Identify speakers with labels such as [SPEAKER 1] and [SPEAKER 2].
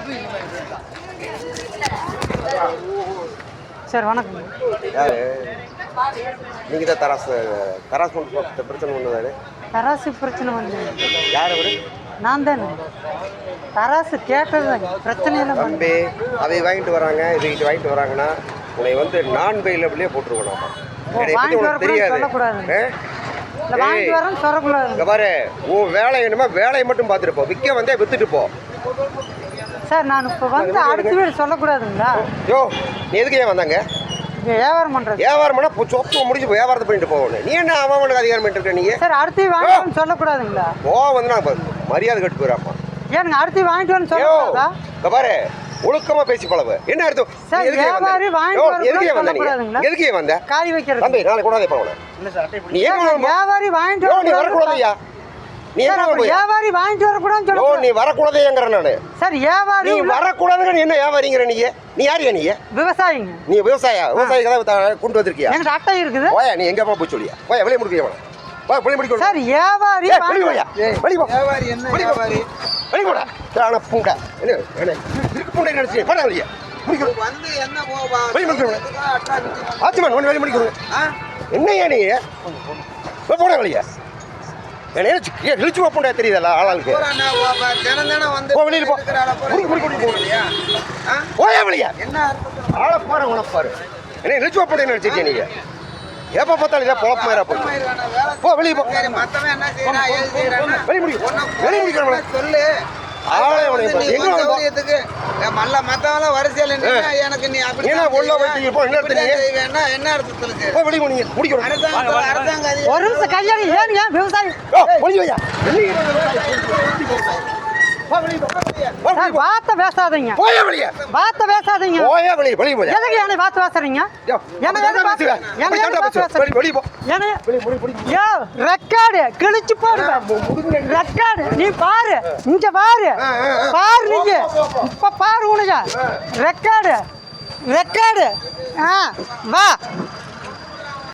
[SPEAKER 1] Sir வணக்கம்.
[SPEAKER 2] யாரு நீங்கள் தான் தராசு பிரச்சனை ஒன்று
[SPEAKER 1] தராசு பிரச்சனை வந்து
[SPEAKER 2] யார் அவரு?
[SPEAKER 1] நான் தானே தராசு கேட்டது பிரச்சனையில்
[SPEAKER 2] தம்பி அதை வாங்கிட்டு வராங்க, இதுக்கிட்ட வாங்கிட்டு வராங்கன்னா உன்னை வந்து நான் பெயிலபிளே போட்டுருக்கணும். தெரியாது
[SPEAKER 1] வாங்கிட்டு வரேன்னு சொல்லக்கூடாது.
[SPEAKER 2] இங்க பாரு, உன் வேலை என்னமோ வேலையை மட்டும் பார்த்துட்டு போ, விற்க வந்தே வித்துட்டு போ.
[SPEAKER 1] சார் நான் இப்போ வந்து அடுத்த வீடு சொல்லக்கூடாதுங்களா?
[SPEAKER 2] யோ நீ எதுக்கு ஏன் வந்தாங்க?
[SPEAKER 1] வியாபாரம் பண்ணுறது.
[SPEAKER 2] வியாபாரம் பண்ணால் சொத்து முடிச்சு வியாபாரத்தை பண்ணிட்டு போகணும். நீ என்ன அவனுக்கு அதிகாரம் பண்ணிட்டு இருக்க? நீங்க
[SPEAKER 1] சார் அடுத்து வாங்கிட்டு சொல்லக்கூடாதுங்களா?
[SPEAKER 2] வந்து நான் மரியாதை கட்டு போயிடாமா?
[SPEAKER 1] ஏனுங்க அடுத்து வாங்கிட்டு வந்து சொல்லக்கூடாதா?
[SPEAKER 2] இங்க பாரு, ஒழுக்கமா பேசி பழவு. என்ன அர்த்தம்?
[SPEAKER 1] சார் வியாபாரி
[SPEAKER 2] வாங்கிட்டு எதுக்கே வந்த?
[SPEAKER 1] காய் வைக்கிறது.
[SPEAKER 2] தம்பி நாளை கூடாதே போகணும். நீ
[SPEAKER 1] வியாபாரி வாங்கிட்டு
[SPEAKER 2] நீ வரக்கூடாதையா? நீ
[SPEAKER 1] வியாபாரி வாங்கிட்டு வரக்கூடாதுன்னு சொல்லுங்க.
[SPEAKER 2] நீ வரக்கூடாதேங்கிற நானு.
[SPEAKER 1] சார் வியாபாரி
[SPEAKER 2] நீ வரக்கூடாதுங்க. நீ என்ன வியாபாரிங்கிற? நீ யாரியா? நீ
[SPEAKER 1] விவசாயிங்க.
[SPEAKER 2] நீ விவசாயி கதை கொண்டு வந்திருக்கியா?
[SPEAKER 1] எங்க அட்டை இருக்குது.
[SPEAKER 2] ஓயா நீ எங்க போய் சொல்லியா? ஓயா வெளியே முடிக்க வெளியே முடிக்க.
[SPEAKER 1] சார் வியாபாரி
[SPEAKER 2] வியாபாரி என்ன வியாபாரி? வெளியே போடா. ஆனா பூண்டா என்ன இருக்கு பூண்டை நினைச்சு போடா வெளியே வந்து என்ன போவா? வெளியே முடிக்க ஆச்சுமான் ஒன்று வெளியே முடிக்க. என்னையா நீ போடா வெளியே? இழிச்சு வைப்பா தெரியுதா ஆளாளுக்கு? ஓயா வெளியா என்ன ஆளை பாரு உனப்பாரு. என்ன இழிச்சு வைப்பா நினைச்சிருக்கேன் நீங்க? எப்போ பார்த்தாலும் இதான் பொழப்பு மாதிரி போ வெளியே போ. வெளியே முடிக்கிறவங்கள சொல்லு.
[SPEAKER 1] வார்த்தை பேசாதீங்க. வார்த்தை பேசாதீங்க. ரெக்கார்டு கிழிச்சு போடுவேன். ரெக்கார்டு நீ பாரு, இங்க பாரு பாரு, நீங்க இப்ப பாரு உனக்கு ரெக்கார்டு வா